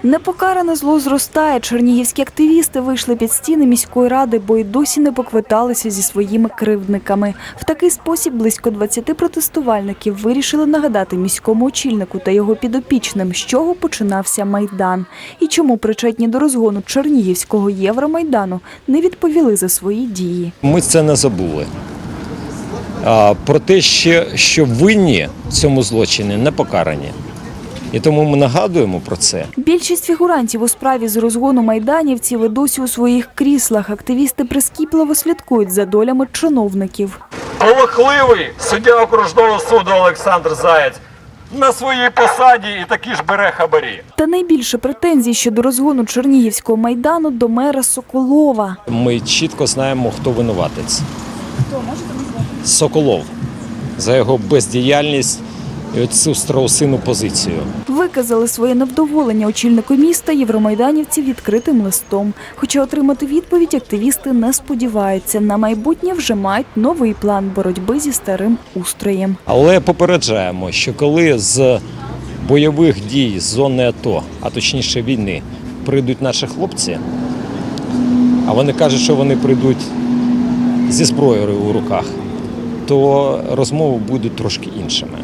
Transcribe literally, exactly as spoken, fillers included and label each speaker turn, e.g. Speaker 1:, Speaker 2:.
Speaker 1: Непокаране зло зростає. Чернігівські активісти вийшли під стіни міської ради, бо й досі не поквиталися зі своїми кривдниками. В такий спосіб близько двадцяти протестувальників вирішили нагадати міському очільнику та його підопічним, з чого починався Майдан. І чому причетні до розгону Чернігівського Євромайдану не відповіли за свої дії.
Speaker 2: Ми це не забули. А, про те, що, що винні в цьому злочині не покарані. І тому ми нагадуємо про це.
Speaker 1: Більшість фігурантів у справі з розгону майданівців і досі у своїх кріслах. Активісти прискіпливо слідкують за долями чиновників.
Speaker 3: Полохливий суддя окружного суду Олександр Заєць на своїй посаді і такі ж бере хабарі.
Speaker 1: Та найбільше претензій щодо розгону Чернігівського Майдану до мера Соколова.
Speaker 2: Ми чітко знаємо, хто винуватець. Хто, можете назвати? Соколов. За його бездіяльність і оцю страусину позицію.
Speaker 1: Виказали своє невдоволення очільнику міста євромайданівців відкритим листом. Хоча отримати відповідь активісти не сподіваються. На майбутнє вже мають новий план боротьби зі старим устроєм.
Speaker 2: Але попереджаємо, що коли з бойових дій з зони АТО, а точніше війни, прийдуть наші хлопці, а вони кажуть, що вони прийдуть зі зброєю у руках, то розмови будуть трошки іншими.